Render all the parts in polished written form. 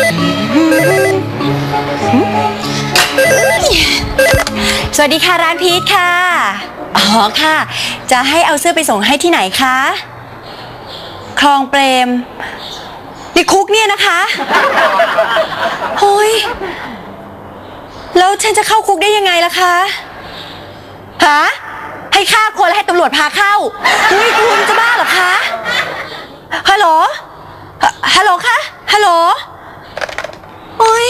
สวัสดีค่ะร้านพีทค่ะอ๋อค่ะจะให้เอาเสื้อไปส่งให้ที่ไหนคะคลองเปรมในคุกเนี่ยนะคะโอ้ยแล้วฉันจะเข้าคุกได้ยังไงล่ะคะฮะให้ฆ่าคนแล้วให้ตำรวจพาเข้าอุ้ยคุณจะบ้าเหรอคะฮัลโหลฮัลโหลคะฮัลโหลโอ้ย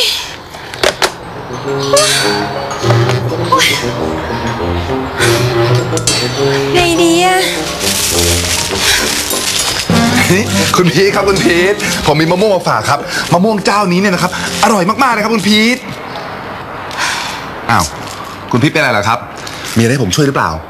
ไงดีอะคุณพีทครับคุณพีทผมมีมะม่วงมาฝากครับมะม่วงเจ้านี้เนี่ยนะครับอร่อยมากๆเลยครับคุณพีทอ้าวคุณพีทเป็นอะไรเหรอครับมีอะไรให้ผมช่วยหรือเปล่า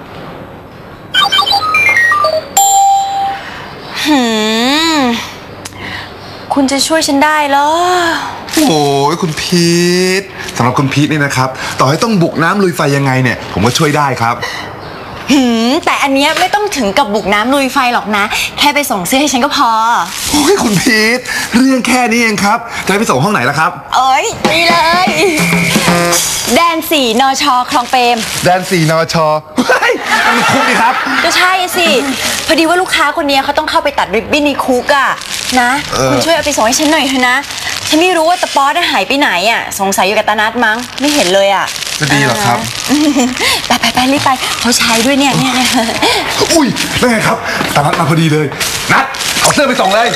คุณจะช่วยฉันได้เหรอโอ้ยคุณพีทสำหรับคุณพีทเนี่ยนะครับต่อให้ต้องบุกน้ำลุยไฟยังไงเนี่ยผมก็ช่วยได้ครับแต่อันเนี้ยไม่ต้องถึงกับบุกน้ำลุยไฟหรอกนะแค่ไปส่งเสื้อให้ฉันก็พอโอ้ยคุณพีทเรื่องแค่นี้เองครับจะไปส่งห้องไหนล่ะครับเอ้ยนี่เลยแดน4 นช.คลองเปรมแดน4 นช.เฮ้ยมันคุกนี่ครับก็ใช่สิพอดีว่าลูกค้าคนนี้เขาต้องเข้าไปตัดริบบิ้นในคุกอะนะคุณช่วยเอาไปส่งให้ฉันหน่อยเถอะนะฉันไม่รู้ว่าตะป๊อดหายไปไหนอะสงสัยอยู่กับตานัทมั้งไม่เห็นเลยอะจะดีเหรอครับไปรีบไปเขาใช้ด้วยเนี่ยอุ้ยได้ไงครับตานัทมาพอดีเลยนัทเอาเสื้อไปส่งเลย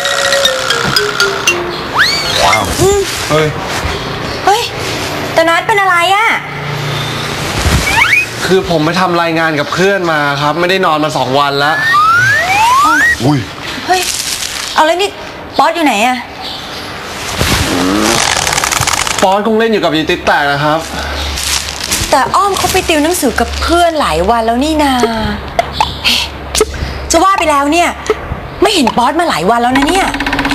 ว้าวเฮ้ยตานัทเป็นอะไรอะคือผมไปทำรายงานกับเพื่อนมาครับไม่ได้นอนมา2 วันแล้วอุ้ยเฮ้ยเอาแล้วนี่ป๊อดอยู่ไหนอะป๊อดคงเล่นอยู่กับยีติ๊ดแตกนะครับแต่อ้อมเขาไปติวหนังสือกับเพื่อนหลายวันแล้วนี่นาจะว่าไปแล้วเนี่ยไม่เห็นป๊อดมาหลายวันแล้วนะเนี่ย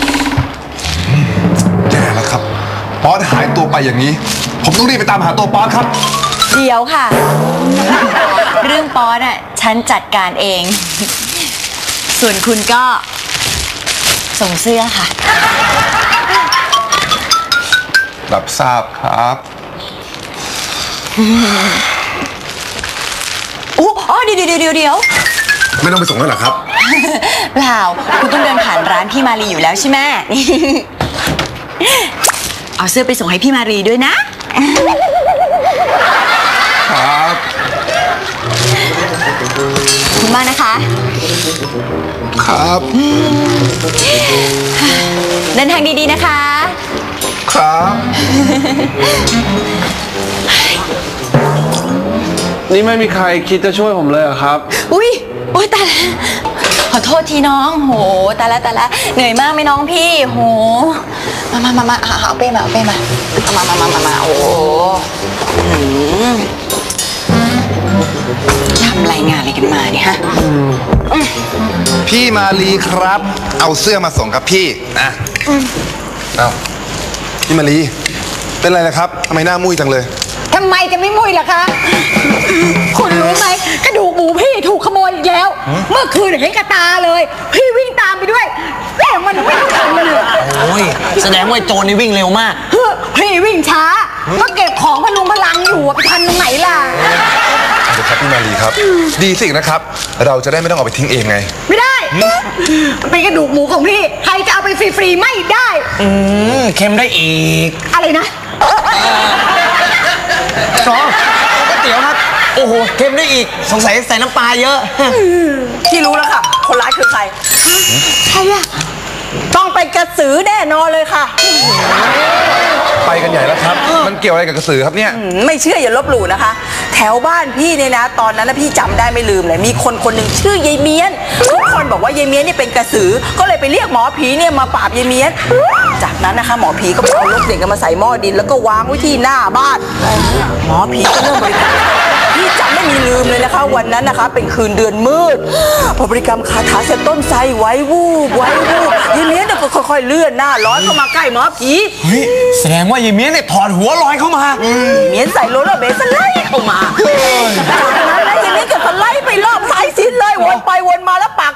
แย่แล้วครับป๊อดหายตัวไปอย่างนี้ผมต้องรีบไปตามหาตัวป๊อดครับเดี๋ยวค่ะเรื่องป๊อดอะฉันจัดการเองส่วนคุณก็ส่งเสื้อค่ะรับทราบครับอ๋อเดี๋ยวไม่ต้องไปส่งแล้วเหรอครับเปล่าคุณต้องเดินผ่านร้านพี่มารีอยู่แล้วใช่ไหมเอาเสื้อไปส่งให้พี่มารีด้วยนะครับขอบคุณมากนะคะครับเดินทางดีๆนะคะครับนี่ไม่มีใครคิดจะช่วยผมเลยเหรอครับอุ้ยตายแล้วขอโทษทีน้องโหตายแล้วเหนื่อยมากไหมน้องพี่โหมาเอาเป้มามาโอ้ทำรายงานอะไรกันมาเนี่ยฮะพี่มาลีครับเอาเสื้อมาส่งครับพี่นะเอาพี่มาลีเป็นไรล่ะครับทำไมหน้ามุ้ยจังเลยทำไมจะไม่มุ้ยล่ะคะคุณรู้ไหมกระดูกหมูพี่ถูกขโมยอีกแล้วเมื่อคืนเห็นกระตาเลยพี่วิ่งตามไปด้วยแต่มันไม่ทันเลยโอ้ยแสดงว่าโจรนี่วิ่งเร็วมากพี่วิ่งช้าก็เก็บของพลุงพลังอยู่ไปทันตรงไหนล่ะเดี๋ยวครับพี่มาลีครับดีสินะครับเราจะได้ไม่ต้องเอาไปทิ้งเองไงไม่ได้เป็นกระดูกหมูของพี่ใครจะเอาไปฟรีๆไม่ได้เค็มได้อีกอะไรนะก๋วยเตี๋ยวครับโอ้โหเค็มได้อีกสงสัยใส่น้ำปลาเยอะพี่รู้แล้วค่ะคนร้ายคือใครใครอะต้องไปกระสือแน่นอนเลยค่ะไปกันใหญ่แล้วครับมันเกี่ยวอะไรกับกระสือครับเนี่ยไม่เชื่ออย่าลบหลู่นะคะแถวบ้านพี่เนี่ยนะตอนนั้นนะพี่จำได้ไม่ลืมเลยมีคนหนึ่งชื่อยายเมียนทุกคนบอกว่ายายเมียนนี่เป็นกระสือก็เลยไปเรียกหมอผีเนี่ยมาปราบยายเมียนจากนั้นนะคะหมอผีก็ไปเอาลูกเด็กมาใส่หม้อดินแล้วก็วางไว้ที่หน้าบ้านหมอผีก็เริ่มบริกรรมพี่จำไม่มีลืมเลยนะคะวันนั้นนะคะเป็นคืนเดือนมืดพอบริกรรมคาถาเสร็จต้นไทรไว้วูบยายเมียนก็ค่อยๆเลื่อนหน้าร้อนเข้ามาใกล้หมอผีเฮ้ยแสดงว่ายายเมียนเนี่ยถอดหัวลอยเข้ามาเมียนใส่โรลเลอร์เบสไล่เข้ามาจากนั้นนะยายเมียนก็ไล่ไปรอบสายสินเลยวนไปวนมาแล้วปากก็พร่ำด่า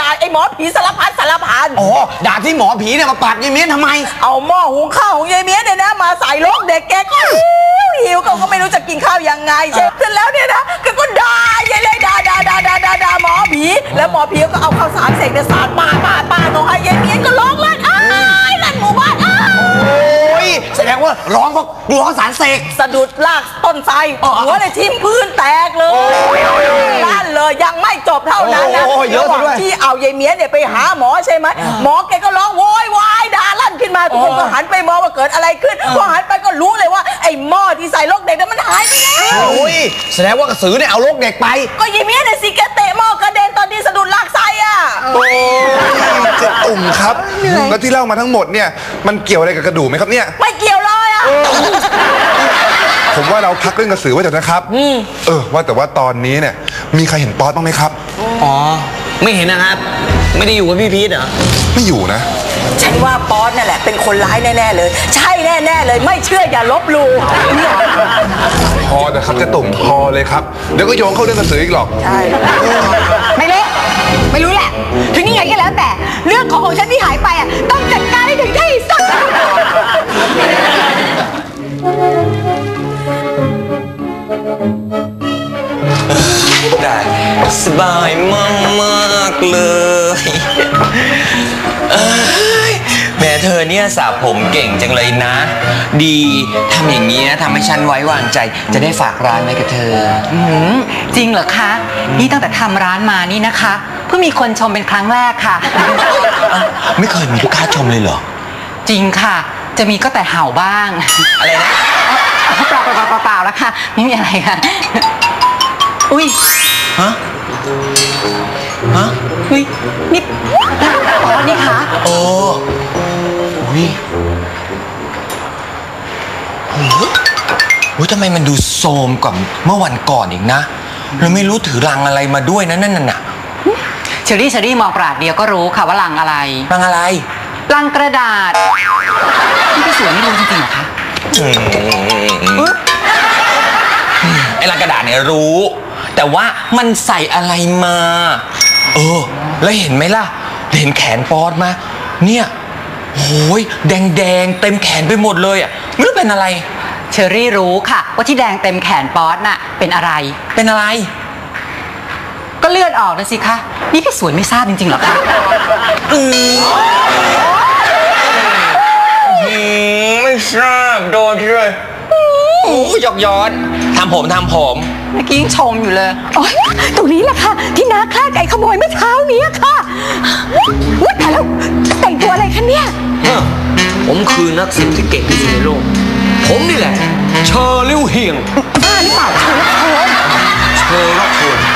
ไอ้หมอผีสารพัดสารพันอ๋อด่าที่หมอผีเนี่ยมาปาดยายเมียนทำไมเอาหม้อหุงข้าวของยายเมียเนี่ยนะมาใส่โลกเด็กแกก็หิวก็ไม่รู้จะกินข้าวยังไงใช่เสร็จแล้วเนี่ยนะแกก็ด่ายายเลยด่าหมอผีแล้วหมอผีก็เอาข้าวสารเสกเนี่ยสาดปาเขาให้ยายเมียนก็ร้องลั่นอ้ายลั่นหมู่บ้านอ้ายโอ้ยแสดงว่าร้องเพราะกลัวสารเสกสะดุดลากต้นไทรหัวเลยทิ่มพื้นแตกเลยลั่นเลยยังไม่จบเท่านั้นนะโอ้ยเยอะระหซะว่างด้วยที่เอายายเมียเนี่ยไปหาหมอใช่ไหมหมอแกก็ร้องโวยวายด่าลั่นขึ้นมาทุกคนก็หันไปมองว่าเกิดอะไรขึ้นพอหันไปก็รู้เลยว่าไอ้หม้อที่ใส่โรคเด็กนั้นมันหายไปแล้วโอ้ยแสดงว่ากระสือเนี่ยเอาลูกเด็กไปก็ยายเมียเนี่ยสิแกเตะหม้อกระเด็นตอนที่สะดุดลากไส้อ่ะเจ๊ตุ่มครับ แล้วที่เล่ามาทั้งหมดเนี่ยมันเกี่ยวอะไรกับกระดูกไหมครับเนี่ยไม่เกี่ยวเลยอ่ะผมว่าเราพักเรื่องกระสือไว้เถอะนะครับว่าแต่ว่าตอนนี้เนี่ยมีใครเห็นป๊อตบ้างไหมครับอ๋อไม่เห็นนะครับ ไม่ได้อยู่กับพี่พีทเหรอไม่อยู่นะฉันว่าป๊อตนั่นแหละเป็นคนร้ายแน่ๆเลยใช่แน่ๆเลยไม่เชื่ออย่าลบหลู่เนี่ยพอแต่ครับเจ๊ตุ่มพอเลยครับเดี๋ยวก็โยงเข้าเรื่องกระสืออีกหรอกใช่ไม่รู้ไม่รู้แหละ ถึงยังไงก็แล้วแต่เรื่องของฉันที่หายไปอ่ะต้องจัดการให้ถึงที่สุดได้สบายมากๆเลยเอ้ยแม่เธอเนี่ยสระผมเก่งจังเลยนะ ดีทำอย่างนี้นะทำให้ฉันไว้วางใจจะได้ฝากร้านไว้กับเธอจริงเหรอคะ นี่ตั้งแต่ทำร้านมานี่นะคะ เพิ่งมีคนชมเป็นครั้งแรกค่ะไม่เคยมีลูกค้าชมเลยเหรอจริงค่ะ จะมีก็แต่เห่าบ้างอะไรนะเปล่าแล้วค่ะ ไม่มีอะไรค่ะ อุ้ยฮะ ฮะอุ้ยนี่อ๋อนี่คะโอ้อุ้ยโอ้ยทำไมมันดูโทรมกว่าเมื่อวันก่อนอีกนะเราไม่รู้ถือรังอะไรมาด้วยนะนั่นน่ะเชอรี่มองปราดเดียวก็รู้ค่ะว่าลังอะไรรังอะไรลังกระดาษนี่พี่สวยไม่รู้จริงๆเหรอคะไอ้ลังกระดาษเนี่ยรู้ แต่ว่ามันใส่อะไรมา แล้วเห็นไหมล่ะ เห็นแขนป๊อดมาเนี่ยโอ้ยแดงเต็มแขนไปหมดเลยอ่ะไม่รู้เป็นอะไรเชอรี่รู้ค่ะ ว่าที่แดงเต็มแขนป๊อตน่ะเป็นอะไรเป็นอะไรก็เลือดออกนะสิคะ นี่พี่สวยไม่ทราบจริงๆเหรอคะไม่ทราบโดนที่เลยหยอกย้อนทำผมเมื่อกี้ยังชมอยู่เลยโอ๊ยตรงนี้แหละค่ะ ที่น้าฆ่าไก่ขโมยเมื่อเช้านี้ค่ะว่าแต่แล้วแต่งตัวอะไรคะเนี่ยผมคือนักสืบที่เก่งที่สุดในโลก ผมนี่แหละ เชอร์ลิ่วเฮียงบ้าหรือเปล่าเธอเชอร์ล็อกโฮน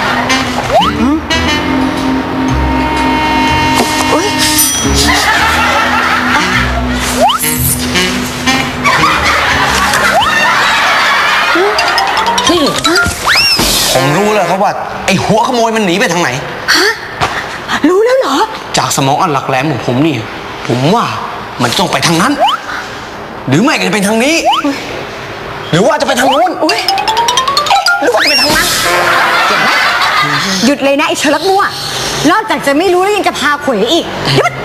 ผมรู้แล้วครับว่า ไอ้หัวขโมยมันหนีไปทางไหนรู้แล้วเหรอจากสมองอันหลักแหลมของผมนี่ผมว่ามันต้องไปทางนั้น หรือไม่ก็จะเป็นทางนี้ หรือว่าจะไปทางนู้นหรือว่าจะไปทางนั้นหยุดเลยนะไอ้เชลักมั่ว นอกจากจะไม่รู้แล้วยังจะพาเขวอีกหยุด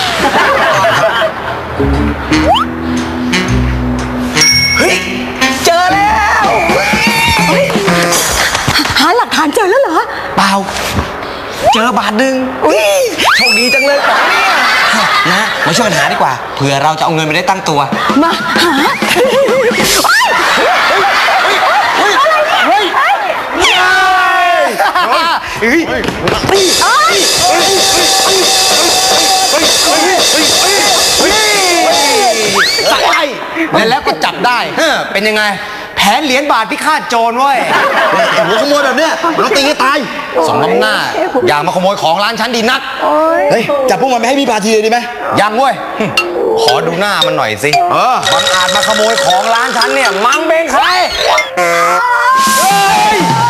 เฮ้ยเจอแล้วหาหลักฐานเจอแล้วเหรอเปล่า เจอบาทหนึ่งโชคดีจังเลยป๋องเนี่ยนะมาช่วยกันหาดีกว่าเผื่อเราจะเอาเงินไปได้ตั้งตัวมาหาได้แล้วก็จับได้เป็นยังไง แผนเหรียญบาทที่ฆ่าโจรเว้ยหัวขโมยแบบเนี้ยเราตีให้ตายสองน้ำหน้า อย่ามาขโมยของร้านฉันดีนักเฮ้ย จับพวกมันไปให้พี่พาทีเลยดีไหมยังเว้ย ขอดูหน้ามันหน่อยสิบังอาจมาขโมยของร้านฉันเนี่ย มังเป็นใคร